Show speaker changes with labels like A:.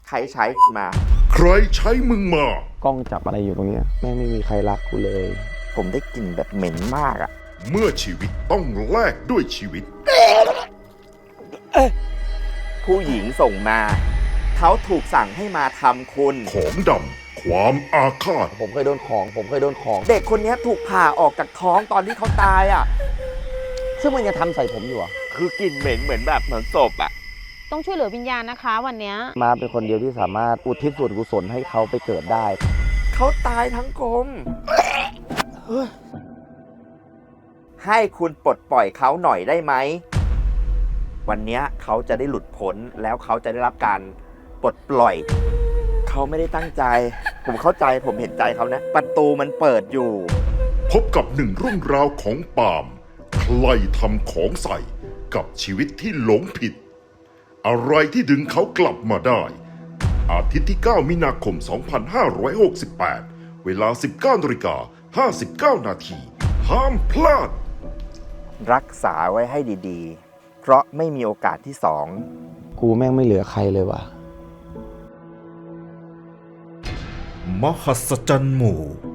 A: ใครใช้มา
B: ใครใช้มึงมา
C: กล้องจับอะไรอยู่ตรงเนี้ยแม่งไม่มีใครรักกูเลย
A: ผมได้กลิ่นแบบเหม็นมากอะ
B: เมื่อชีวิตต้องแลกด้วยชีวิต
A: ผู้หญิงส่งมา เขาถูกสั่งให้มาทำคุณ
B: ของดำความอาฆาต
C: ผมเคยโดนของ
A: เด็กคนนี้ถูกผ่าออกจากท้องตอนที่เขาตายอะ
C: ซึ่งมันยังทำใส่ผมอยู่อ่ะ
A: คือกลิ่นเหม็นเหมือนแบบเหมือนศพอะ
D: ต้องช่วยเหลือวิญญาณนะคะวันเนี้ย
C: มาเป็นคนเดียวที่สามารถอุทิศส่วนกุศลให้เขาไปเกิดได้
A: เขาตายทั้งกลมให้คุณปลดปล่อยเขาหน่อยได้ไหม วันเนี้ยเขาจะได้หลุดพ้นแล้วเขาจะได้รับการปลดปล่อย เขาไม่ได้ตั้งใจ ผมเข้าใจผมเห็นใจเขานะ ประตูมันเปิดอยู่
B: พบกับหนึ่งเรื่องราวของปาล์มใครทำของใส่กับชีวิตที่หลงผิด อะไรที่ดึงเขากลับมาได้ อาทิตย์ที่ 9 มีนาคม 2568 เวลา 19:59 นาทีห้ามพลาด
A: รักษาไว้ให้ดีๆ เพราะไม่มีโอกาสที่สอง
C: กูแม่งไม่เหลือใครเลยว่ะ
E: มหัศจรรย์หมู่